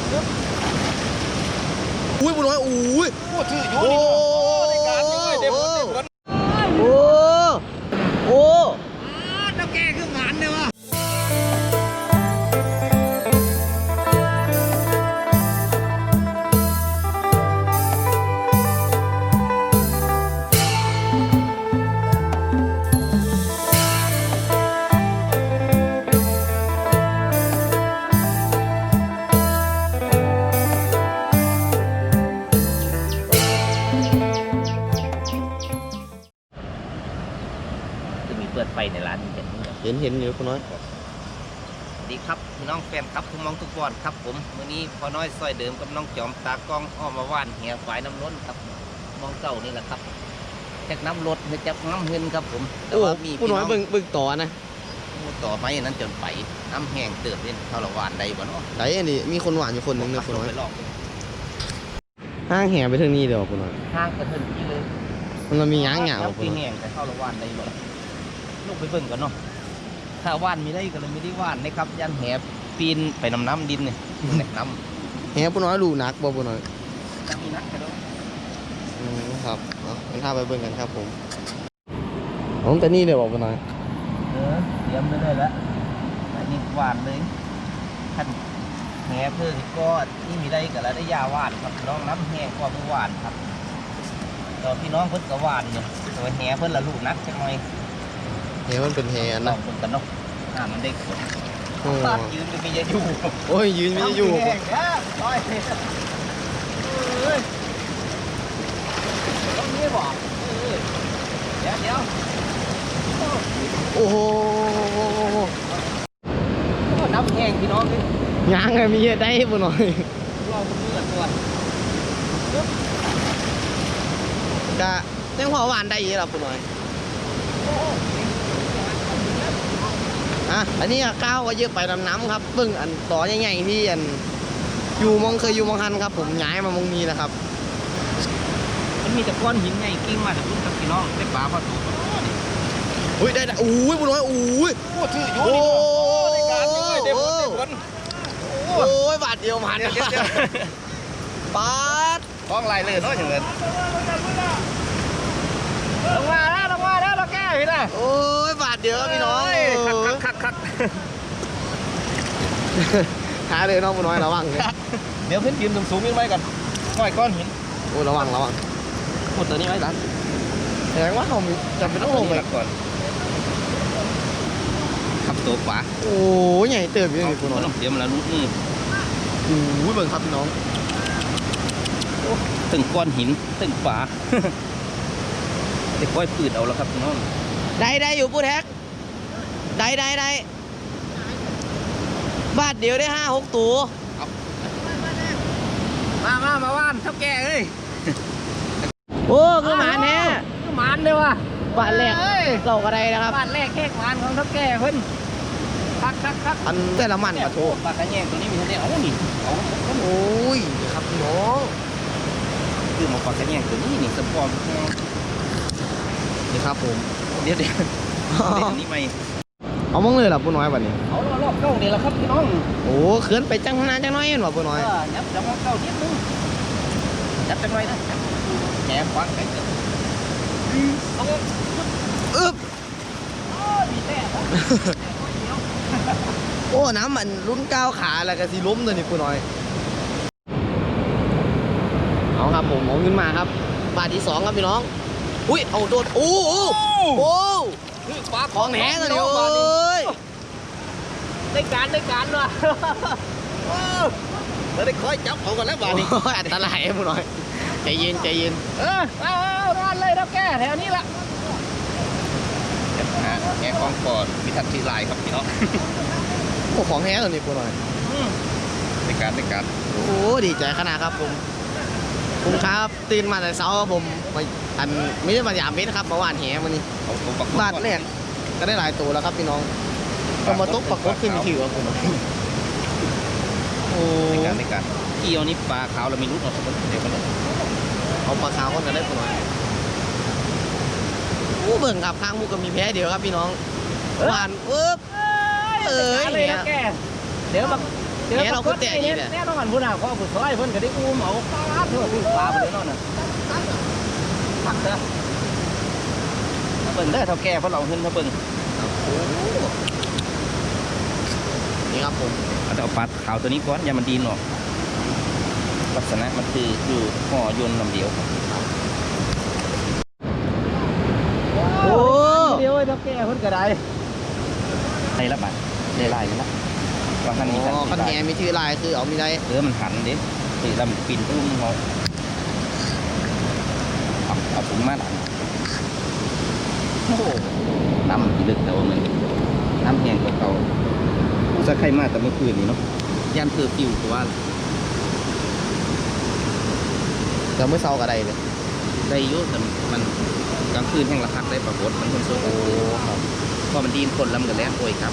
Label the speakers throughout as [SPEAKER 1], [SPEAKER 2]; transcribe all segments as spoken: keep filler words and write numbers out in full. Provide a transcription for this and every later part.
[SPEAKER 1] อุ้ยบุญน้อยอุ้ยโอ้ถืออยู่ในการด้วยเด็กคนโอ้โอ้แล้วแกคืองานเลยวะ
[SPEAKER 2] เปิดไฟในร้านนี้จะ
[SPEAKER 1] เห็นเห็นอยู่คุณน้อย
[SPEAKER 2] ดีครับพี่น้องแฟนครับทุกมองทุกบอดครับผมวันนี้พอน้อยซอยเดิมกับน้องจอมตากล้องอ้อมมาว่านเหี่ยฝายน้ำล้นครับมองเก่านี่แหละครับจากน้ำรถหรือจากน้ำเงินครับผม
[SPEAKER 1] แต่ว่ามีคุณน้อยเบิ่งเบิ่งต่อนะ
[SPEAKER 2] ต่อไปนั้นจนไปน้ำแห้งเติบเล่นเท่าละวานใดบ่เนาะ
[SPEAKER 1] ไหนอันนี้มีคนหวานอยู่คนหนึ่งนะคุณน้อยห้างแห่ไปทางนี้เดี๋ยวคุณน้อย
[SPEAKER 2] ห้างกระเทินที่เลย
[SPEAKER 1] มันมีย่างเหงา
[SPEAKER 2] ปีแห้งแต่เท่าละวานใดบ่ลูกไปเบิ่งกันเนาะถ้าว่านมีได้ก็เลยไม่ได้ว่านนะครับยันแหบปีนไปน้ำน้ำดินเนี่ยน้
[SPEAKER 1] ำแหบปุ่นน้อยรูนักบ่ปุ่นน้อย
[SPEAKER 2] มีนักกันแล้ว
[SPEAKER 1] อืมครับเอางั้นถ้าไปเบิ่งกันครับผมผมแต่นี่เดี๋ยวบอกปุ่นน้อย
[SPEAKER 2] เออเตรียมไปเลยแล้วอันนี้ว่านเลยท่านแหบเพื่อก็ที่มีได้ก็แล้วได้ยาว่านครับน้องน้ำแห้งก็ไม่ว่านครับตอนพี่น้องเพิ่นก็ว่านเนี่ยตัวแหบเพิ่นละลูกนักจังหน่อย
[SPEAKER 1] เฮ้ยมันเป็นแฮนนะ
[SPEAKER 2] กันเนาะอ่ามันได้ขนยืนก็มีจะอยู่
[SPEAKER 1] โอ้ยยืนมีจะอยู่
[SPEAKER 2] แห้งนะโอ้ยเฮ้ยต้องนี้บอกเดี๋ยวเดี๋ยว
[SPEAKER 1] โอ้โห
[SPEAKER 2] น้ำแห้งพี่น้องนี่
[SPEAKER 1] ยางไงมีเยอะได้ปุ่นน้อย
[SPEAKER 2] เราเลือดตัว
[SPEAKER 1] กะเจ้าหัวหวานได้ยี่หรอปุ่นน้อยอ่ะอันนี้ก้าวก็เยอะไปลำน้ำครับเบิ่งอันต่อใหญ่ๆที่อันอยู่มองเคยอยู่มองหันครับผมย้ายมามองนี้นะครับ
[SPEAKER 2] มันมีแต่ก้อนหินใหญ่กิ้งมาจากพุ่งกับพี่น้องได้ปลาพอตัว
[SPEAKER 1] อุ้ยได้ได้อุ้ยบุญน้อยอุ้ย
[SPEAKER 2] โอ้ถืออยู่ในการด้วยเด็กคน
[SPEAKER 1] โอ้ยบาทเดียวมันปาด
[SPEAKER 2] กล้องลายเลยเนาะอย่างเงี้ยลงมาแล้วลงมาแล้วเราแก้พี่นะ
[SPEAKER 1] โอ้ยบาทเดียวพี่น้อง
[SPEAKER 2] คักคักคัก
[SPEAKER 1] หาเลยน้องบุญน้อยระวังเลย
[SPEAKER 2] เดี๋ยวเพิ่นยืนสูงๆยังไงกันก้อยก้อนหิน
[SPEAKER 1] โอ้ระวังระวัง
[SPEAKER 2] พูดตัวนี้ไว้ดัน
[SPEAKER 1] แสดงว่าเขาจำเป็นต้องลงไป
[SPEAKER 2] ก่อนขับตัวขวา
[SPEAKER 1] โอ้ยใหญ่เติบอยู่นี่บุญน้อย
[SPEAKER 2] เดี๋ยวมันละลุกนี่
[SPEAKER 1] โอ้ยเบิ่งครับพี่น้อง
[SPEAKER 2] ตึงก้อนหินตึงฝาเด็กก้อยปืดเอาแล้วครับพี่น้อง
[SPEAKER 1] ได้ได้อยู่ปูแท็กได้ได้ได้บาทเดียวได้ห้าหกตัว
[SPEAKER 2] มามามาว่านเท่าแก่เอ้ย
[SPEAKER 1] โอ้คือหมานแน่
[SPEAKER 2] คือหมานเลยวะ
[SPEAKER 1] บาทแรกเก่าอะไรนะครับ
[SPEAKER 2] บาทแรกแค่หมานของเท่าแก่เพิ่นคักคักคัก
[SPEAKER 1] อันแต่ละมันมาโชว์
[SPEAKER 2] ปากกระแยงตัวนี้มีเท่านี้เอาหนิเอา
[SPEAKER 1] โอ้ยครับพี่น้อง
[SPEAKER 2] คือมาปากกระแยงตัวนี้นี่สปอร์ต
[SPEAKER 1] นี่ครับผม
[SPEAKER 2] เดี๋ยวเดี๋ยวนี่ไม่
[SPEAKER 1] เอามั่งเลยหรอปูน้อยวันนี้
[SPEAKER 2] เอารอบเก้าเดี๋ยวละครับพี่น้อง
[SPEAKER 1] โอ้เขื่อนไปจังนานจังน้อยเห็นป่ะปูน้อย
[SPEAKER 2] ยับจังเก้านิดนึงยับจังน้อยนะแหนฟังไปเกิด
[SPEAKER 1] อึ๊บ
[SPEAKER 2] โอ้
[SPEAKER 1] น้ำมันลุ้นก้าวขาแล้วก็สีล้มเลยนี่ปูน้อยเอาครับผมเอาขึ้นมาครับบาทที่สองครับพี่น้องอุ้ยเอาโดดโอ้โอ้โอ้
[SPEAKER 2] ปลา
[SPEAKER 1] ของแหนเลยโอ้ย
[SPEAKER 2] ได้การได้การว่ะเราได้คอยจับเขากันแล้วบาทนี้
[SPEAKER 1] อันตรายผู้น้อยใจเย็นใจเย็น
[SPEAKER 2] เออเอาเอาร้านเลยเราแก้แถวนี้ละแง่ของปอดมีทัดทีลายครับพี่น้อง
[SPEAKER 1] โอ้ของแหเลยนี่ผู้น้อย
[SPEAKER 2] ได้การได้การ
[SPEAKER 1] โอ้ดีใจขนาดครับผมผมครับตื่นมาแต่เช้าผมไปอันไม่ได้มาหยามเม็ดครับเมื่อวานแหมันนี่บาทแรกก็ได้หลายตัวแล้วครับพี่น้องก็มาตกปักก็ขึ้นถือว่าผมโอ้
[SPEAKER 2] ในการในการเกี่ยวนี่ปลาขาวเราไม่รู้เราสักคนเดียวกันเลย
[SPEAKER 1] เอาปลาขาวคนกันได้ผมหน่อยโอ้เบิ่งครับข้างมุกก็มีแพ้เดียวครับพี่น้องหวานปึ๊บ
[SPEAKER 2] เอ้ยเนี่ยเดี๋ยวมาเจอ
[SPEAKER 1] แหเราคือแต่อีกเนี่ย
[SPEAKER 2] แน่นอนพุ่นน่ะเพราะผู้ซอยเพิ่นก็ได้อุ้มเอาปลาเถอะปลาไปเลยเนาะน่ะพักเถอะเบิ่งเด้อเท่าแก่เพิ่นเอาเงินมาเบิ่ง
[SPEAKER 1] นี่ครับผม
[SPEAKER 2] เอาแต่เอาปลาขาวตัวนี้ก่อนอย่ามันดีนออกลักษณะมันคืออยู่ห่อยนต์ลำเดียวครับ
[SPEAKER 1] โอ้
[SPEAKER 2] เดียวไอ้เท่าแก่เพิ่นก็ได้ไล่ละบาทได้ไล่ละบางท่านมี
[SPEAKER 1] อ๋อ
[SPEAKER 2] ท่า
[SPEAKER 1] คั
[SPEAKER 2] น
[SPEAKER 1] น
[SPEAKER 2] มี
[SPEAKER 1] แหมีชื่อลายคือเอาไม่ได้
[SPEAKER 2] เออมันหันดิตีลำปีนตุ้มเขาเอาเอาถุงมาหลังโอ้โหน้ำที่ลึกแต่ว่ามันน้ำแห้งกว่าเก่าผู้สักใครมาแต่เมื่อคืนนี้เนาะยันเธอฟิวตัว
[SPEAKER 1] แต่เมื่อเช้าก็ได้เลย
[SPEAKER 2] ได้อยุ่แต่มันกลางคืนแห้งระคักได้ปรากฏมันคนโซ่โอ้ครับพอมันดีนคนลำกันแล้วโอ้ยครับ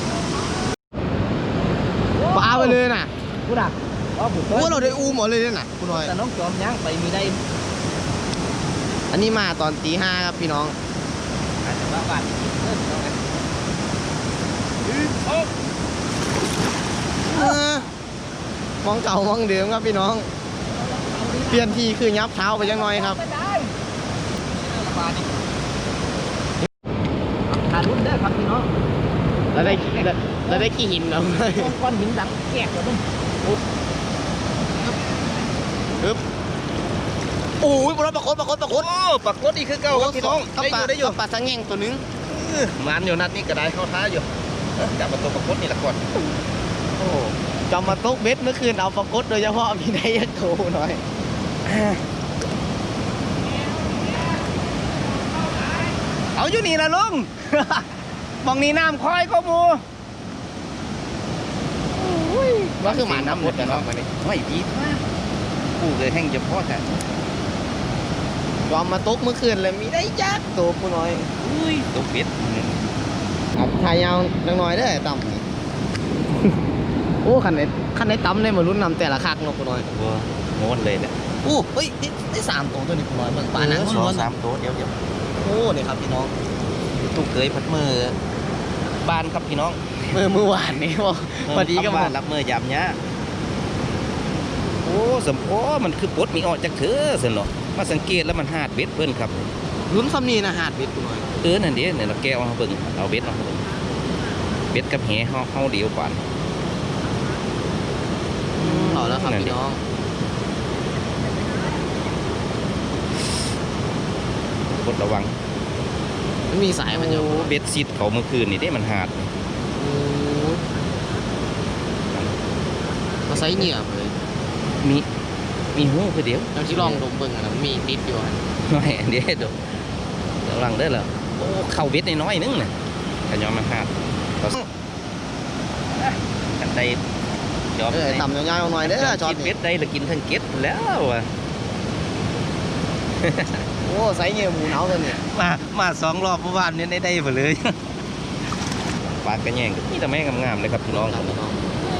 [SPEAKER 1] ปลาไปเลยน่ะ
[SPEAKER 2] ผู้ดักอ๋อผู้
[SPEAKER 1] โอ้เราได้อูหมดเลยเนี่ยน่ะคุณน้อย
[SPEAKER 2] แต่น้องจอมย่างไปมีได้
[SPEAKER 1] อันนี้มาตอนตีห้าครับพี่น้อง
[SPEAKER 2] อาจจะบ้าบ้านเออน้องกันโอ้
[SPEAKER 1] เออมองเก่ามองเดิมครับพี่น้อง เปลี่ยนทีคือยับเท้าไปยังน้อยครับ
[SPEAKER 2] ไม่ได้ระบาดนี่ขาดรุ่นได้อครับพี่น้อง
[SPEAKER 1] แล้วได้แล้วแล้วได้ขี้หินแล้ว
[SPEAKER 2] ก้อนหินดังแกกเลยมึง
[SPEAKER 1] ปึ๊บโอ้ยปลาปลาโคตรปลาโคตรปลาโคตร
[SPEAKER 2] โอ้ปักรถอีกคือเก่าครับพี่น้อง
[SPEAKER 1] กับปลา
[SPEAKER 2] ได้อยู่
[SPEAKER 1] กับปลาสังเงงตัวหนึง
[SPEAKER 2] มันอยู่นัดนี้ก็ได้เข้าท้าอยู่เอ้ยจับประตูปักรถนี่ละก่อน
[SPEAKER 1] โอ้จำมาตกเบ็ดเมื่อคืนเอาปลาโคตรโดยเฉพาะมีได้ยักษ์โตหน่อย
[SPEAKER 2] เอาอยู่นี่ละลุง มองนี่น้ำคอยก็มู
[SPEAKER 1] ว่าคือหมาน้ำหมดนะครับวันนี้
[SPEAKER 2] ไม่ดีกูเลยแห้งจะพอแต่
[SPEAKER 1] ยอมมาตกเมื่อคืนเลยมีได้ยักษ์โตกูน้อย
[SPEAKER 2] อุ้ยตกเป็ด
[SPEAKER 1] ครับทายยาวจังหน่อยเด้อต่ำนี่ โอ้คันไหนคันไหนต่ำเลยมาลุ้นนำแต่ละคักเนาะกูน้อย
[SPEAKER 2] วัวโม้วนเลยเนี่ย
[SPEAKER 1] โอ้เฮ้ยได้ได้สามตัวตัวนี้กูน้อยเบิ่งปลาหนัง
[SPEAKER 2] ส
[SPEAKER 1] ล้
[SPEAKER 2] อ
[SPEAKER 1] ว
[SPEAKER 2] ง
[SPEAKER 1] นๆ
[SPEAKER 2] สามตัวเดี๋ยวเดี๋ยว
[SPEAKER 1] โอ้นี่ครับพี่น้อง
[SPEAKER 2] ตุกเคยพัดมือบ้านครับพี่น้อง
[SPEAKER 1] เมื่อเมื่อวานนี้บอกพอดีก็
[SPEAKER 2] บ้า
[SPEAKER 1] บาน
[SPEAKER 2] รับมือยามเนี้ยโอ้สมโอ้มันคือปลดมีออกจากเธอสินเนาะมาสังเกตแล้วมันหาดเบ็ดเพิ่นครับ
[SPEAKER 1] ลุ้นคำนี้นะหาดเบ็ดกูน้อย
[SPEAKER 2] เออนั่นเด้เนี่ยเราแก้วมาเบิ่งเอาเบ็ดมาเบิ่งเบ็ดกับแหเฮาเฮาเดียวกว่า
[SPEAKER 1] เอาแล้วครับพี่น้อง
[SPEAKER 2] กดระวัง
[SPEAKER 1] มันมีสายมันอยู่
[SPEAKER 2] เบ็ดซิดเขาเมื่อคืนนี่ได้มันหาด
[SPEAKER 1] โอ้ยมาใส่เหงื่อเลย
[SPEAKER 2] มีมีหูคือเดียว
[SPEAKER 1] เราที่ลองดมเบิ่งอะนะมันมีติดอยู่อะ
[SPEAKER 2] ไม่เดี๋ยวเดี๋ยวระวังเด้อเหรอโอ้เข้าเบ็ดน้อยๆนึงน่ะกันยอมมันหาดเขากันได้ยอม
[SPEAKER 1] เออต่ำยาวๆหน่อยเด้อจอด
[SPEAKER 2] กินเบ็
[SPEAKER 1] นี่
[SPEAKER 2] ดได้แล้วกินทั้งเก็ดแล้วอ่ะ
[SPEAKER 1] โอ้ใส่เหงื่อหมูหนาวตัวนี้
[SPEAKER 2] มามาสองรอบเมื่อวานนี้ได้ได้หมดเลย ปลากระแยงก็นี่แต่แม่งามๆเลยครับพี่น้อง
[SPEAKER 1] ครับพี่น้อง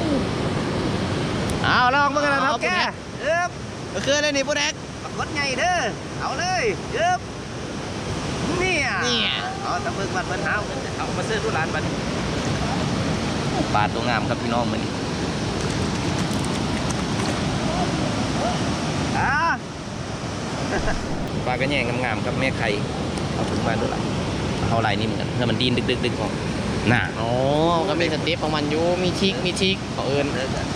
[SPEAKER 2] เอาลองมากันนะค
[SPEAKER 1] เอา
[SPEAKER 2] รับ
[SPEAKER 1] ไป
[SPEAKER 2] แก
[SPEAKER 1] เนี่ย
[SPEAKER 2] เอิบ
[SPEAKER 1] ก็คืออะไรนี่พวกแดก
[SPEAKER 2] ปรากฏไงเด้อเอาเลยเอิบเนี่ย
[SPEAKER 1] เนี่ย
[SPEAKER 2] เอาตะเบิกบัตรมันหาเอามาซื้อทุร้านบัตรปลาตัวงามครับพี่น้องมันอ่า ปลากระแยงงามๆครับแม่ไข่เอาถุงมาด้วยล่ะเอาลายนี้เหมือนกันถ้ามันดินดึกๆๆออกน่ะ
[SPEAKER 1] อ๋อก็มีสเต็ปของมันอยู่มีชิกมีชิกเขาเอิญ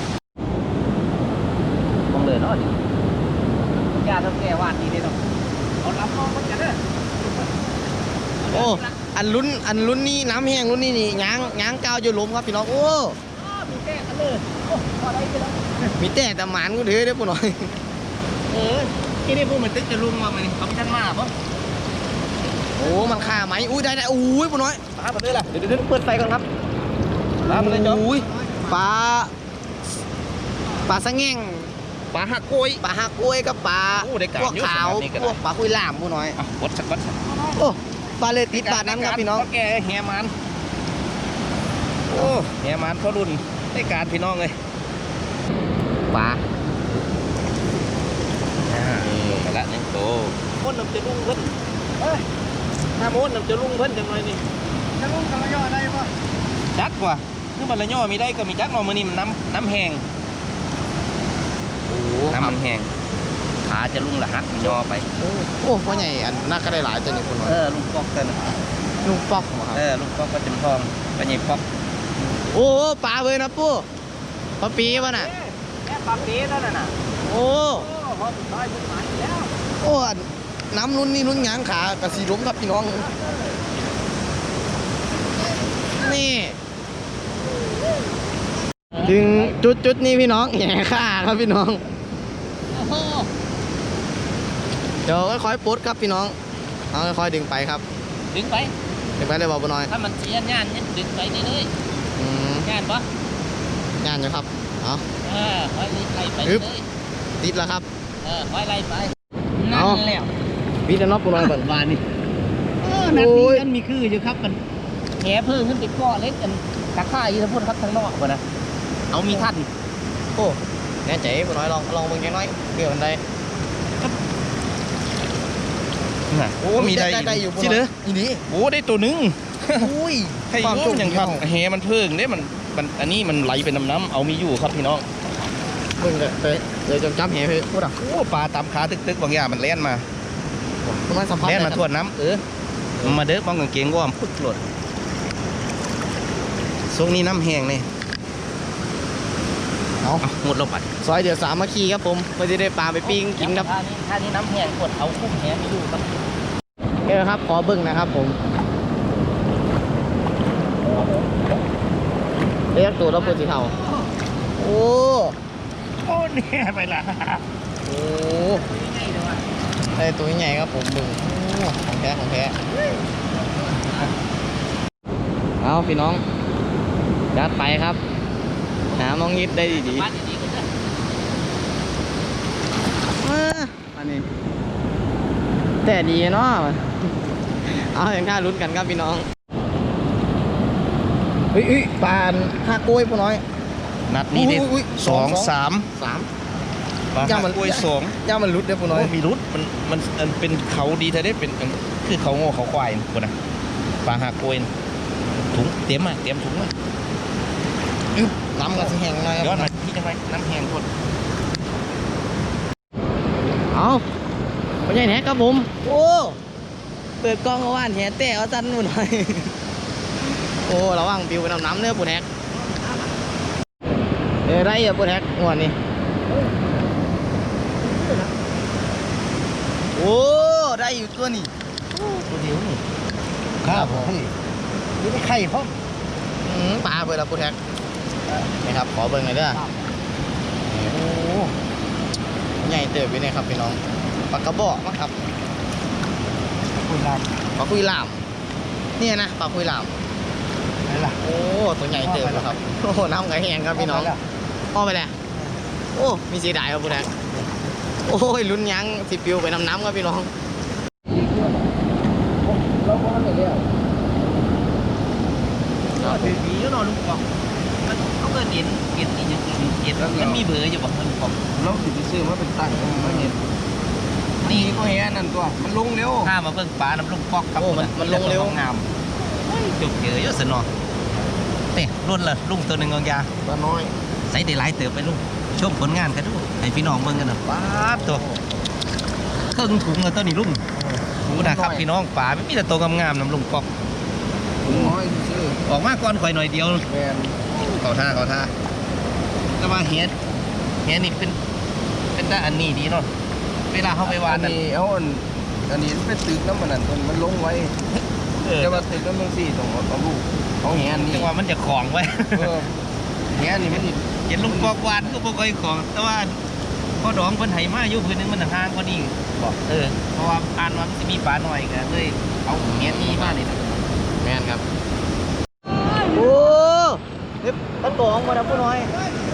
[SPEAKER 2] มองเลยเนาะยาทำแก่วาดดีเลยเนาะเอาลำมองมันกันเด้อ
[SPEAKER 1] โอ้อันลุ้นอันลุ้นนี่น้ำแห้งลุ้นนี่นี่ยางยางกาวอยู่หลุมครับพี่น้องโอ้
[SPEAKER 2] มีแก่กันเลยโอ้พอได้ไปแล้ว
[SPEAKER 1] มีแต่แต่หมานกูถือได้อปุ่นหน่อย
[SPEAKER 2] เออที่นี่พวกมันตึกจะลุงมาไหมเขาไม่ทันมาปะ
[SPEAKER 1] โอ้มันฆ่าไหมอุ้ยได้ได้อุ้ยปุ่นน้อย
[SPEAKER 2] ปลาไปเลยล่ะ
[SPEAKER 1] เดี๋ยวเดี๋ยวเปิดไฟก่อนครับ
[SPEAKER 2] ปลาไปเลยจ๊อบ
[SPEAKER 1] อุ้ยปลาปลาสังเงง
[SPEAKER 2] ปลาหักกล้วย
[SPEAKER 1] ปลาหักกล้วยกับปลา
[SPEAKER 2] โอ้ได้การ
[SPEAKER 1] พวก
[SPEAKER 2] เยอะ
[SPEAKER 1] ขาว
[SPEAKER 2] ขนาดนี้ก็ได้
[SPEAKER 1] พวกปลาคุยล่ามปุ่นน้อย
[SPEAKER 2] อ่ะวัดสักวัดสัก
[SPEAKER 1] โอ้ปลาเลติดปลานั้นครับพี่น้อง
[SPEAKER 2] แกแหมันโอ้แหมันเขารุ่นได้การพี่น้องเลย
[SPEAKER 1] ปลา
[SPEAKER 2] อ่าไปละหนึ่งโตม้วนน้ำจะลุงเพิ่นเอ้ยถ้าม้วนน้ำจะลุงเพิ่นจังเลยนี่
[SPEAKER 1] จะลุงกำลังย่อได้ปะ
[SPEAKER 2] จักว่ะคือบัลละย่อมีได้ก็มีจักเนาะมื้อนี้มันน้ำน้ำแห้งมันแห้งขาจะลุ่งละหักย่อไป
[SPEAKER 1] โอ้โอ้พ่อใหญ่อันน่าก็ได้หลายตัวนี่คุณน้อย
[SPEAKER 2] เออลุงปอกกันนะ
[SPEAKER 1] ลุงปอกเหรอครับ
[SPEAKER 2] เออลุงปอกก็จำทองปัญญาปอก
[SPEAKER 1] โอ้ปลาเลยนะปู่ปลาปีวะน่ะ
[SPEAKER 2] แค่ปลาปีนั่นน่ะ
[SPEAKER 1] โอ้
[SPEAKER 2] โอ้พอสุดท้ายมันหมายแล้ว
[SPEAKER 1] โอ้อันน้ำนุ่นนี่นุ่นหยางขากระสีล้มครับพี่น้องนี่ถึงจุดจุดนี้พี่น้องแหย่ข้าครับพี่น้อง
[SPEAKER 2] โอ้โห
[SPEAKER 1] เดี๋ยวค่อยๆปุ๊ดครับพี่น้องเอาค่อยๆดึงไปครับ
[SPEAKER 2] ดึงไป
[SPEAKER 1] ดึงไปเลยบอกบุน้อย
[SPEAKER 2] ถ้ามันเสียงานเนี่ยดึงไปได้เลย
[SPEAKER 1] อืม
[SPEAKER 2] งานปะ
[SPEAKER 1] งานอยู่ครับเอา
[SPEAKER 2] เออคอยไล่ไป
[SPEAKER 1] อึ๊
[SPEAKER 2] เล
[SPEAKER 1] บ
[SPEAKER 2] ย
[SPEAKER 1] ติดแล้วครับ
[SPEAKER 2] เออคอยไล่ไป
[SPEAKER 1] เอา
[SPEAKER 2] นั่นแล้ว
[SPEAKER 1] พี่จะน็อกบุน้อยก่อน
[SPEAKER 2] วานนี่เออนัดนี้กันมีคืออยู่ครับมันแหเพิ่งขึ้นไปก้อเล็กกันตะข่ายทั้งพูดครับทั้งนอกวะนะเอามีทัน
[SPEAKER 1] โอ้แน่ใจบุน้อยลองลองมึงยังน้อยเกี่ยวกันได้
[SPEAKER 3] โอ้มีได้
[SPEAKER 1] ได้อยู่
[SPEAKER 3] ที่เหลือ
[SPEAKER 1] อีนี้
[SPEAKER 3] โอ้ได้ตัวหนึง
[SPEAKER 1] อุ้ย
[SPEAKER 3] ให้
[SPEAKER 1] ความ
[SPEAKER 3] ยุ่
[SPEAKER 1] โช
[SPEAKER 3] ง
[SPEAKER 1] ค
[SPEAKER 3] อย่าง
[SPEAKER 1] ดี
[SPEAKER 3] ครับ
[SPEAKER 1] ของ
[SPEAKER 3] แหมันเพิ่งเนี่ยมันมันอันนี้มันไหลเป็นน้ำน้ำเอามีอยู่ครับพี่น้อง
[SPEAKER 1] มึงเลยไปเดี๋ยวจำจำแหไปพูดอ่ะ
[SPEAKER 3] โอ้ปลาตามขาตึกๆบางอย่างมันแล่นมา
[SPEAKER 1] บุน้อยสัมผัส
[SPEAKER 3] แล่นมา
[SPEAKER 1] ได้
[SPEAKER 3] ทวนน้ำเออมาเด้อบ้องกางเกงว่อมพึกหลดทรงนี้น้ำแห้งนี่
[SPEAKER 1] เอา
[SPEAKER 3] เอาหมดแล้วปัด
[SPEAKER 1] ซอยเดี๋ยวสามมาคีครับผมเพื่อจะได้ปลาไปปิ้งกินครับ
[SPEAKER 2] ท่านี้ท่านี้น้ำแห้งกดเอาคุ้มแหไม่อยู่ครับ
[SPEAKER 1] เออครับขอเบิ้งนะครับผมเรียกตัวแล้วปูสีเทาโอ้
[SPEAKER 3] โอ้เนี่ยไปละ
[SPEAKER 1] โหไอ้ตัวใหญ่ครับผมบึงโอ้ของแท้ของแท้เอาพี่น้องยัดไปครับหาน้องยิดได้ดี
[SPEAKER 2] บ้านดีๆกันเลย
[SPEAKER 1] ๆอ่าอันนี้แต่ดีเนาะเอาอย่างข้าลุ้นกันครับพี่น้องเฮ้ยเฮ้ยปานห้ากล้วยพวกน้อย
[SPEAKER 3] นัดนี้ได้
[SPEAKER 1] อุ้ยอุ้ย
[SPEAKER 3] สอง
[SPEAKER 1] สอง
[SPEAKER 3] สาม
[SPEAKER 1] สาม
[SPEAKER 3] ปลา
[SPEAKER 1] ย่า
[SPEAKER 3] หั
[SPEAKER 1] มัน
[SPEAKER 3] กกล้วยสอง
[SPEAKER 1] ย่ามันรุดเด้อพวกน้อย
[SPEAKER 3] โอ้มีรุดมันมันมันเป็นเขาดีแท้ได้เป็นคือเขาโง่เขาควายนะคนนะปลาหักกล้วยนะถุงเตรียมมาเตรียมถุงมา
[SPEAKER 1] อึ๊บน้ำกันสิแห้งหน่อยค
[SPEAKER 3] ย้อ
[SPEAKER 1] รั
[SPEAKER 3] น
[SPEAKER 1] บ
[SPEAKER 3] มาที่จังไรน้ำแห้งคน
[SPEAKER 1] เอาไม่ใช่แหนครับผมโอ้เปิดกล้องเอาว่านแหแต่เอาสั้นหน่อยโอ้ระวังปิวไปน้ำน้ำเนื้อปูแฮกเอ้ยไรอะปูแฮกงวดนี้โอ้ได้อยู่ตัวนี้
[SPEAKER 3] ตัวเดียวนี่
[SPEAKER 1] ครับผม
[SPEAKER 3] นี่ไม่ไข่พ่อม
[SPEAKER 1] อืมปลาเปิดแล้วปูแฮกนี่ครับขอเบิ่งหน่อยเด้อโอ้ใหญ่เติบอยู่เนี่ยครับพี่น้องปลากระบอกมั้งครับ
[SPEAKER 3] คุยลา
[SPEAKER 1] ปลาคุยลามเนี่ยนะปลาคุยลาม
[SPEAKER 3] อะไรล่ะ
[SPEAKER 1] โอ้ตัวใหญ่เติบแล้วครับโอ้น้ำไงแห้งครับพี่น้องพ่อไปแล้วโอ้มีสีดายครับปูแฮกโอ้ยลุ้นยังสิปิวไปน้ำน้ำครับพี่น้อง
[SPEAKER 2] เราก็ไม่ได้ก็ถือดีแล้วนอนลุงปองมันเขาก็เด่นเด่นอีกอย่างเด่นมันมีเบอร์อยู่บ่ลุงปอง
[SPEAKER 3] เราสิไปซื้อมาเป็นตั้งมาเห็นนี่ก็เห็นนั่นตัวมันลงเร็ว
[SPEAKER 2] ข้ามาเบิ่งปลาน้ำลุงปอกครับ
[SPEAKER 1] โอ้มันมันลงเร็ว
[SPEAKER 2] งามจุกเยอะเยอะสนอเนี่ยรุ่นละลุงตัวหนึ่งกองยา
[SPEAKER 3] ปลาน้อย
[SPEAKER 2] ใส่ได้หลายเติบไปลุงชมผลงานกันดูให้พี่น้องเบิ่งกันนะป๊าบตัวเครื่องถุงเลยตัวนี้ลุงดูนะครับพี่น้องปลาไม่มีแต่ตัวงามๆน้ำลุงปอก
[SPEAKER 3] น้อยซื้อ
[SPEAKER 2] ออกมาก่อนข่อยหน่อยเดียว
[SPEAKER 3] แมน
[SPEAKER 2] เขาท่าเขาท่าแต่ว่าเฮ็ดเฮ็ดนี่เป็นเป็นแต่อันนี้ดีเนาะเวลาเขาไปวา
[SPEAKER 3] อั
[SPEAKER 2] น
[SPEAKER 3] น
[SPEAKER 2] นั่น
[SPEAKER 3] นี้เอาอันอันนี้เป็นตึกน้ำมันนั่นมันลงไว้
[SPEAKER 2] เออ
[SPEAKER 3] แต่ว่าตึกน้ำมันสี่ต้องเอาลูกเอาแหนนี่
[SPEAKER 2] จังว่ามันจะของไว้
[SPEAKER 3] เออแหนนี่มัน
[SPEAKER 2] เห็นลุงปอกวานก็บ่ค่อยของ แต่ว่าพอดองเพิ่นให้มาอยู่พื้นนึงมันห่างกว่านี้บอกเออเพราะว่าอ่านว่ามันสิมีปลาหน่อยก็เลยเอาเฮ็ดนี้มานี่นะ
[SPEAKER 1] แม่นครับโอ้เด็บปลาตองมาแล้วผู้น้อย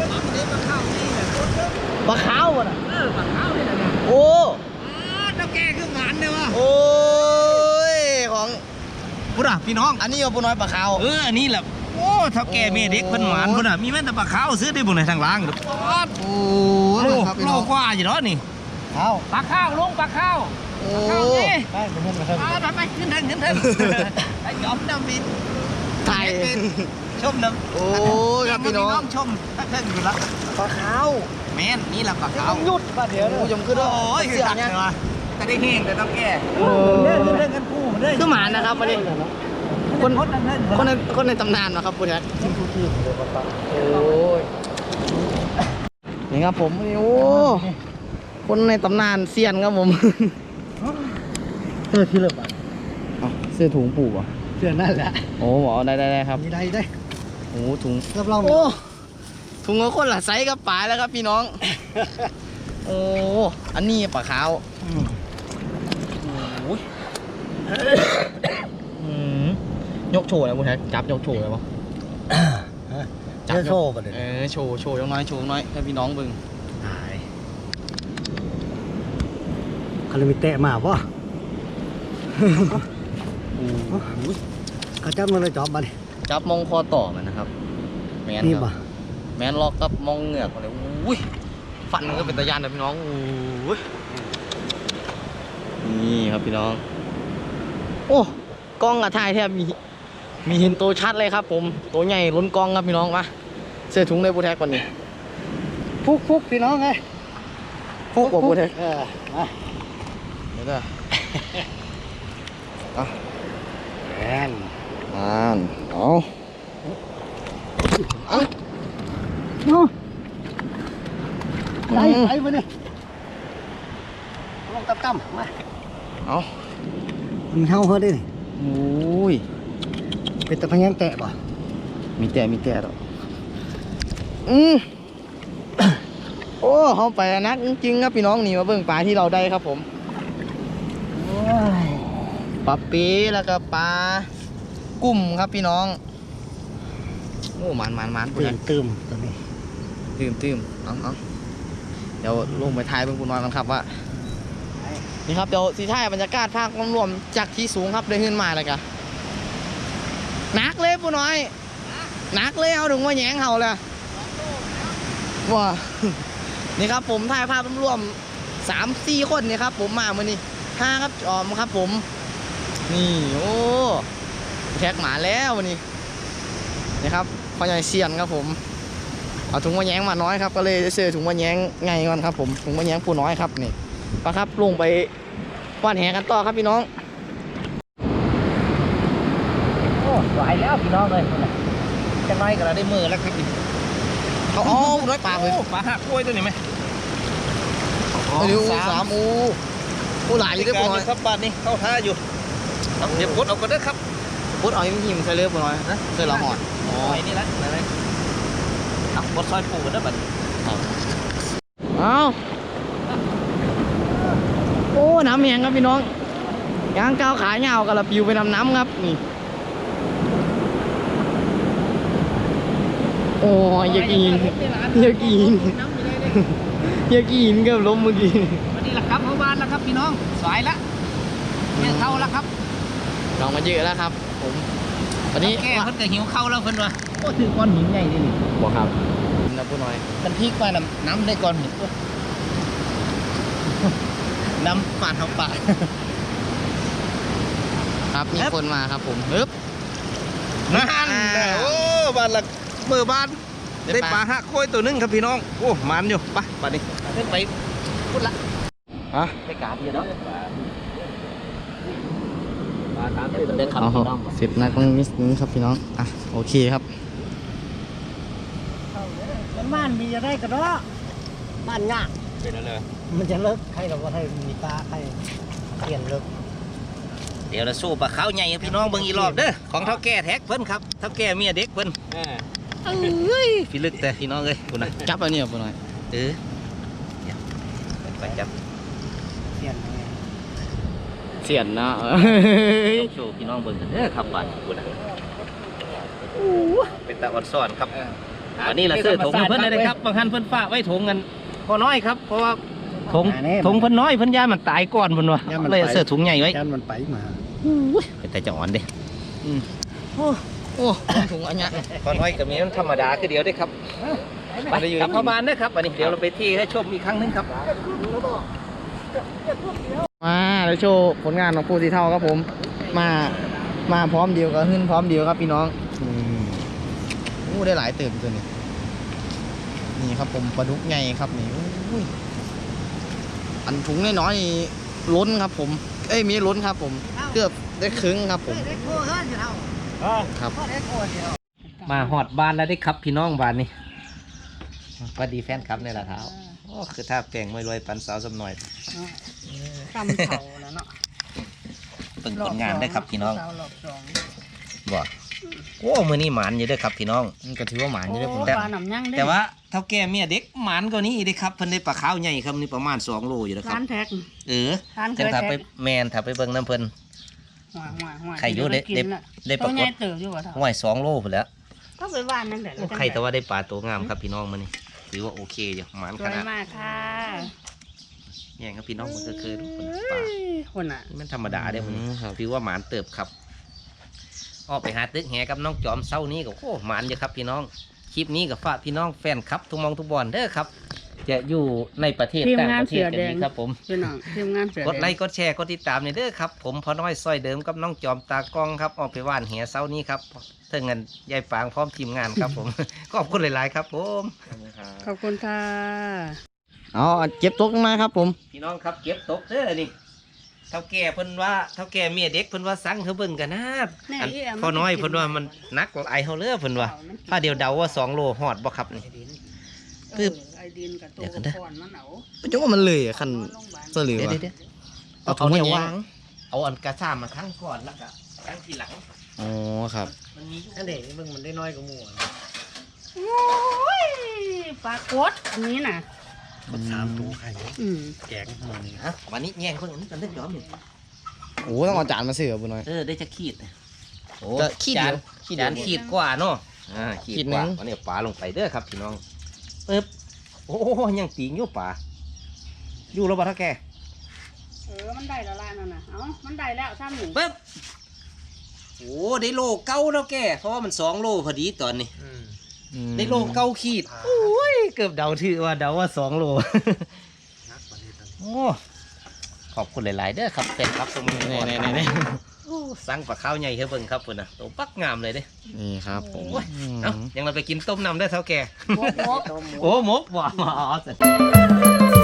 [SPEAKER 1] ปลาขาวมาน่ะ
[SPEAKER 2] เออปลาขาวนี่นะ
[SPEAKER 1] โอ้
[SPEAKER 2] เจ้าแก่คือหมานเด้อวะ
[SPEAKER 1] โอ้ยของ
[SPEAKER 2] พุ่นน่ะพี่น้อง
[SPEAKER 1] อันนี้เอาผู้น้อยปลาขาว
[SPEAKER 2] เอออันนี้แหละโอ้เท่าแก่เมียเด็กเพิ่นหมานพุ่นน่ะมีแม่นแต่ปลาขาวซื้อได้บ่ในทางล่างเด้อป๊าด
[SPEAKER 1] โอ้
[SPEAKER 2] โล
[SPEAKER 1] ครับพี่
[SPEAKER 2] โล
[SPEAKER 1] น้อง
[SPEAKER 2] กว่าอยู่เนาะนี่
[SPEAKER 1] ขาว
[SPEAKER 2] ปลาข้าวลุงปลาข้าว
[SPEAKER 1] โอ้
[SPEAKER 2] ข้าวนี่
[SPEAKER 1] ไปเป็นเพื่อนกัน
[SPEAKER 2] ไปไปขึ้นเทิงขึ้นเทิงไอ้ยอมน้ำบิน
[SPEAKER 1] ไทย
[SPEAKER 2] ชมน้ำ
[SPEAKER 1] โอ้ยครับพี่น้อง
[SPEAKER 2] ชมถ้าเทิงอยู่ละ
[SPEAKER 1] ปลาขาว
[SPEAKER 2] แม่นนี่ละปลาขาว
[SPEAKER 1] หยุดป่ะเดี๋ยวโอ้ยมขึ้น
[SPEAKER 2] โอ้ย
[SPEAKER 1] เสียเนี่ย
[SPEAKER 2] จะได้แห้งแต่ต้องแก่
[SPEAKER 1] โอ้
[SPEAKER 2] เล่นเล่นกันคู่มันได้
[SPEAKER 1] คือหมานะครับวันนี้คน
[SPEAKER 2] คนนั้นนั่น
[SPEAKER 1] คนในคนในตำนานนะครับคุณแท็กโอ้ยนี่ครับผมโอ้คนในตำนานเซียนครับผม
[SPEAKER 2] เออที่เลิกอ่ะ
[SPEAKER 1] เอาเสื้อถุงผูกอ่ะ
[SPEAKER 2] เสื้อนั่นแหละ
[SPEAKER 1] โอ้หมอได้ได้ได้ครับ
[SPEAKER 2] มีได้ได้
[SPEAKER 1] โอ้ถุง
[SPEAKER 2] รับรอง
[SPEAKER 1] โอ้ถุงก็คนละไซส์กับปลาแล้วครับพี่น้อง โอ้อันนี้ปลาขาวโอ้ยอืมยกโชว์เลยคุณแท็กจับยกโชว์เลยปะ
[SPEAKER 2] จะโชว์กันเลย
[SPEAKER 1] เออโชว์โชว์ยังน้อยโชว์น้อยให้พี่น้องเบิ่ง
[SPEAKER 2] ตายคารามิเตะมาป่ะ
[SPEAKER 1] โอ้ย
[SPEAKER 2] เขาจับมันเลยจอบมาดิ
[SPEAKER 1] จับมองคอต่อมันนะครับแมน
[SPEAKER 2] นี่
[SPEAKER 1] ครับ
[SPEAKER 2] ป่ะ
[SPEAKER 1] แมนล็อกกับมองเหงือกเลยอุ้ยฟันมันก็เป็นตะยานนะพี่น้องอุ้ยนี่ครับพี่น้องโอ้กล้องอะถ่ายแทบมีมีเห็นตัวชัดเลยครับผมตัวใหญ่ล้นกล้องครับพี่น้องมาเสื้อถุงในบูแท็กก่อนนี่
[SPEAKER 2] ฟุกฟุกพี่น้องไง
[SPEAKER 1] ฟุกกว่าบูแท็ก
[SPEAKER 2] เออมา
[SPEAKER 1] เดี๋ยวนะอ่ะ
[SPEAKER 2] แอน
[SPEAKER 1] อ่านเอาเอา
[SPEAKER 2] โอ้ไปไปมาเนี่ยลงตั้มๆมา
[SPEAKER 1] เอา
[SPEAKER 2] มันเท่าเขาได้
[SPEAKER 1] โอ้ย
[SPEAKER 2] เป็นตะพยังแตะป่ะ
[SPEAKER 1] มีแต่มีแต่ดอกอืม โอ้เขาไปนักจริงๆครับพี่น้องนี่มาเบิ่งปลาที่เราได้ครับผมปลาปีแล้วก็ปลากุ้มครับพี่น้องโอ้หมันหมันหมัน
[SPEAKER 2] ตื่นตื่มตอนนี้
[SPEAKER 1] ตื่มตื่มเอาเอาเดี๋ยวลงไปถ่ายเบิ่งคุณน้อยกันครับว่านี่ครับเดี๋ยวสีถ่ายบรรยากาศภาครวมๆจากที่สูงครับได้ขึ้นมาเลยกันนักเลยผู้น้อยนักเลยเอาถึงว่าแย้งเขาเลยว้า นี่ครับผมถ่ายภาพรวมสามสี่คนนี่ครับผมมาเมื่อนี้ห้าครับจอมครับผมนี่โอ้แท็กหมาแล้ววันนี้นี่ครับพ่อใหญ่เซียนครับผมเอาถุงมะแยงมาน้อยครับก็เลยเสื้อถุงมะแยงไงก่อนครับผมถุงมะแยงผู้น้อยครับนี่ปะครับลงไปว่านแหกันต่อครับพี่น้อง
[SPEAKER 2] โอ้ไหวแล้วพี่น้องเลยจะน้อยก็เราได้มือแล้วครับ
[SPEAKER 1] เขาอ๋อน้อยปลาเลย
[SPEAKER 3] ปลาหักกล้วยตัวนี้ไหม
[SPEAKER 1] ไปดูสามอูอูหลายอยู่ด้วยผู้น้อย
[SPEAKER 3] ครับปลานี่เข้าท่าอยู่เอาเดี๋ยวกดเอาก็ได้ครับ
[SPEAKER 1] พุดเอายิ้มๆใส่เลือผู้น้อยนะใส่ละหอด
[SPEAKER 3] อ๋อนี่ละอะไรเอากดซอยปูกันได้บัด
[SPEAKER 1] เอาโอ้น้ำแหงครับพี่น้องยางก้าวขาเงากับละปิวไปนำน้ำครับนี่โอ้ยอย่ากินอย่ากินอย่ากินกับล้มเมื่อกี้
[SPEAKER 2] วันนี้ละครับเมื่อวานแล้วครับพี่น้องสายละเนี่ยเข้าแล้วครับ
[SPEAKER 1] ลองมาเยอะแล้วครับ ผมวันนี้
[SPEAKER 2] แก่เพิ่นก็หิวเข้าแล้วเพิ่นว่าโอ้ถือก้อนหินใหญ่ดินี่
[SPEAKER 1] บอกครับนะผู้น้อย
[SPEAKER 2] มันพลิกมาน้ำน้ำได้ก้อนหินน้ำปาดเขาปาด
[SPEAKER 1] ครับมีคนมาครับผมฮึบ
[SPEAKER 3] นั่น
[SPEAKER 1] อ่า
[SPEAKER 3] โอ้บ้านละเมื่อบ้าน
[SPEAKER 1] ได้
[SPEAKER 3] ได้
[SPEAKER 1] ป
[SPEAKER 3] ป
[SPEAKER 1] ลา
[SPEAKER 3] ลาหักกล้วยตัวหนึงครับพี่น้องโอ้มันอยู่ไปปลานี่
[SPEAKER 2] ขึ้นไปพูดละ
[SPEAKER 1] ฮะ
[SPEAKER 2] ไปกาดเดียวเนาะปลาตามเดินขับ
[SPEAKER 1] เอา
[SPEAKER 2] พี่น้อง
[SPEAKER 1] สิบนัดตรงนี้นี้ครับพี่น้องอ่ะโอเคครับ
[SPEAKER 2] มันบ้านมีจะได้กระดอบ้านยาก
[SPEAKER 3] เป็นอะไร
[SPEAKER 2] มันจะเลิกใครเราก็ให้มีปลาใครเปลี่ยนเลิก
[SPEAKER 3] เดี๋ยวเราสู้ปลาขาวใหญ่ให้พี่น้องเบิ่งอีกรอบเด้อของเท่าแก่แท็กเพิ่นครับเท่าแก่เมียเด็กเพิ่นเอ้ยพี่ลึกแต่พี่น้องเอ้ยคุณนะ
[SPEAKER 1] จับอันนี้ผู้น้อย
[SPEAKER 3] เออเดี๋ยวไปจับ
[SPEAKER 2] เปลี่ยน
[SPEAKER 1] เสียนนะ
[SPEAKER 3] ยกโชว์พี่น้องเบิ่งกันเด้อครับบ้านคุณนะเป็นตาอ่อนซ่อนครับวันนี้เราซื้อถุงให้เพิ่นได้เลยครับบางท่านเพิ่นฝากไว้ถุงกันพอน้อยครับเพราะว่าถุงถุงเพิ่นน้อยเพิ่นย่ามันตายก่อนเพิ่นว่าเลยเอาเสื้อถุงใหญ่ไว้
[SPEAKER 2] ยันมันไปมา
[SPEAKER 3] เป็นแต่จะอ่อนเด้
[SPEAKER 1] โอ้โอ้ถุงอันเนี้ย
[SPEAKER 3] พอน้อยกับมีมันธรรมดาคือเดียวได้ครับไปกลับเข้าบ้านเด้อครับวันนี้เดี๋ยวเราไปที่ให้ชมอีกครั้งหนึงครับ
[SPEAKER 1] มาแล้วโชว์ผลงานของผู้สีเท่าครับผม มามาพร้อมเดียวกับขึ้นพร้อมเดียวครับพี่น้องอู้ได้หลายเติมตัวนี้นี่ครับผมปลาดุกใหญ่ครับนี่อุ้ยอันถุงน้อยๆนี่ล้นครับผมเอ้ยมีล้นครับผมเกือบได้ครึ่งครับผมครับ
[SPEAKER 3] มาหอดบ้านแล้วได้ครับพี่น้องบ้านนี่สวัสดีแฟนครับในละเท้าโอ้คือถ้าแปลงไม่รวยปันสาวสำหน่อย
[SPEAKER 4] ทำเขาแล้วเนาะ
[SPEAKER 3] เปิ่งผลงานได้ครับพี่น้อง
[SPEAKER 4] สาวหลอกสอง
[SPEAKER 3] บ่โอ้มือนี้หมานอยู่เด้อครับพี่น้อง
[SPEAKER 1] มันก็ถือว่าหมานอยู่ได้อผม
[SPEAKER 4] โอ้ปลาหนำยั่งได้
[SPEAKER 3] แต่ว่าเท่าแก่เมียเด็กหมานกว่านี้อีกเด้อครับเพิ่นได้ปลาขาวใหญ่ครับนี่ประมาณสองโลอยู่แล้วครั
[SPEAKER 4] ร้า
[SPEAKER 3] บ
[SPEAKER 4] นแท็ก
[SPEAKER 3] เออ
[SPEAKER 4] ร้านเค
[SPEAKER 3] จัง
[SPEAKER 4] ย
[SPEAKER 3] ถ้า
[SPEAKER 4] แท็
[SPEAKER 3] ไป
[SPEAKER 4] ก
[SPEAKER 3] แมนถ้าไปเบิ่งน้ำเพิ่น
[SPEAKER 4] หัวหัวหัว
[SPEAKER 3] ไข่อยู่ได้
[SPEAKER 4] กินละ
[SPEAKER 3] ได้ป
[SPEAKER 4] ตั
[SPEAKER 3] ราว ก
[SPEAKER 4] ใหญ่
[SPEAKER 3] ฏ
[SPEAKER 4] เติบอยู่ว่าเท่า
[SPEAKER 3] ห้วยสองโลพุ่นแหล้ว
[SPEAKER 4] ก็ไปว่านนั่นแหละ
[SPEAKER 3] โอ้ใครแต่ว่าได้ปลาตัวงามครับพี่น้องมื้อนี้ถือว่าโอเคอยู่หมาน
[SPEAKER 4] ส
[SPEAKER 3] ข
[SPEAKER 4] วย
[SPEAKER 3] นาด
[SPEAKER 4] มากค่ะ
[SPEAKER 3] แย่งครับพี่น้องมันก็คือทุกคนปลา
[SPEAKER 4] คนอ่ะ
[SPEAKER 3] นี่มันธรรมดาเด้อมื้อนี้
[SPEAKER 1] ครับ
[SPEAKER 3] ถือว่าหมานเติบครับออกไปหาตึกแหกับน้องจอมเศร้านี้ก็โอ้หมานอยู่ครับพี่น้องคลิปนี้กับฝากพี่น้องแฟนครับทุกมองทุกบอลเด้อครับ จะอยู่ในประเทศ
[SPEAKER 4] ทีม
[SPEAKER 3] ต่าง
[SPEAKER 4] งาน
[SPEAKER 3] ประเท
[SPEAKER 4] เสื
[SPEAKER 3] ศ
[SPEAKER 4] อ
[SPEAKER 3] กัน
[SPEAKER 4] แดง
[SPEAKER 3] นี้ครับผม
[SPEAKER 4] พี่น้องทีมงานเสือก แด
[SPEAKER 3] ด
[SPEAKER 4] ง
[SPEAKER 3] ไลค์กดแชร์กดติดตามในเด้อครับผมพอน้อยซอยเดิมกับน้องจอมตากล้องครับออกไปว่านแหเศร้านี้ครับเท่าเงินยายปางพร้อมทีมงานครับผม ขอบคุณหลายๆครับผม
[SPEAKER 4] ขอบคุณค่ะ
[SPEAKER 1] เอาเก็บตกมาครับผม
[SPEAKER 3] พี่น้องครับเก็บตกเด้อนี่เท่าแก่เพิ่นว่าเท่าแก่เมียเด็กเพิ่นว่าสั่งเขาเบิ่งกันนะอันพอน้อยเพิ่นว่ามันนักหลายเฮาเด้อเพิ่นว่าถ้าเดียวเดาว่าสองโลฮอดบ่ครับนี่ ปึ๊บ
[SPEAKER 4] เออไอดินกับตัว
[SPEAKER 3] เดี๋ยวกันเด้อ
[SPEAKER 4] ก่อนมันเอา
[SPEAKER 1] จังว่ามันเลยอะคัน
[SPEAKER 4] โรงพยาบาล
[SPEAKER 1] เสื้อเหลือง
[SPEAKER 3] เดี๋ยว
[SPEAKER 1] อะ
[SPEAKER 3] เดี๋ยว
[SPEAKER 1] เอา
[SPEAKER 3] เอา
[SPEAKER 1] ถุง
[SPEAKER 3] เนี่
[SPEAKER 1] มาย แย
[SPEAKER 3] วาง ง เอาอันกระซ่ามาครั้งก่อนแล้วก็ครั้งทีหลัง
[SPEAKER 1] อ๋อครับ
[SPEAKER 3] มันมีอยู่
[SPEAKER 2] นั่นเด็กมึงมันได้น้อยกว่าหมู่
[SPEAKER 4] โอ้ยปลากดอันนี้น่ะ
[SPEAKER 2] คนสามตัวไข่
[SPEAKER 4] อืม
[SPEAKER 2] แกงหมู่นี่
[SPEAKER 3] ฮะวันนี้แย่งเพิ่นอันนี้กันได้ยอมนี่
[SPEAKER 1] โอ้ต้องเอาจานมาเสือบุญน้อย
[SPEAKER 3] เออได้จะขีดโอ้
[SPEAKER 1] จะขีด
[SPEAKER 3] จาน
[SPEAKER 1] เดียวขีดเดียว
[SPEAKER 3] จานขีดกว่าเนาะอ่าขีด
[SPEAKER 1] ขีด
[SPEAKER 3] ก
[SPEAKER 1] หนึ่
[SPEAKER 3] ว่าง วันนี้ปลาลงไปเด้อครับพี่น้องปึ๊บโอ้ยังปีงอยู่ปลาอยู่แล้วบ่ท่าแก
[SPEAKER 4] เออมันได้และลายนั่นน่ะเอ้ามันได้แล้วซ้ำหนึ่ง
[SPEAKER 3] ปึ๊บโอ้ได้โลเก้าแล้วแกเพราะว่ามันสองโลพอดีตอนนี้
[SPEAKER 2] อืม
[SPEAKER 1] อืม
[SPEAKER 3] ได้โลเก้าขีดโอ้ยเกือบเดาถือว่าเดาว่าสองโล
[SPEAKER 2] นักประเทศนั้น
[SPEAKER 3] โอ้ขอบคุณหลาย ๆ เด้อครับเป็นครับตรงนี้
[SPEAKER 1] แน่แน่แน่แน่
[SPEAKER 3] โอ้สั่งปลาข้าวใหญ่เฮ้เบิ่งครับพุ่นนะตัวปักงามเลยเด้
[SPEAKER 1] นี่ครับผม
[SPEAKER 3] โอ้ย เอ้ายังเราไปกินต้มน้ำได้อเท่าแก่
[SPEAKER 4] มกมก
[SPEAKER 3] โอ้หมกว่ะอ๋อ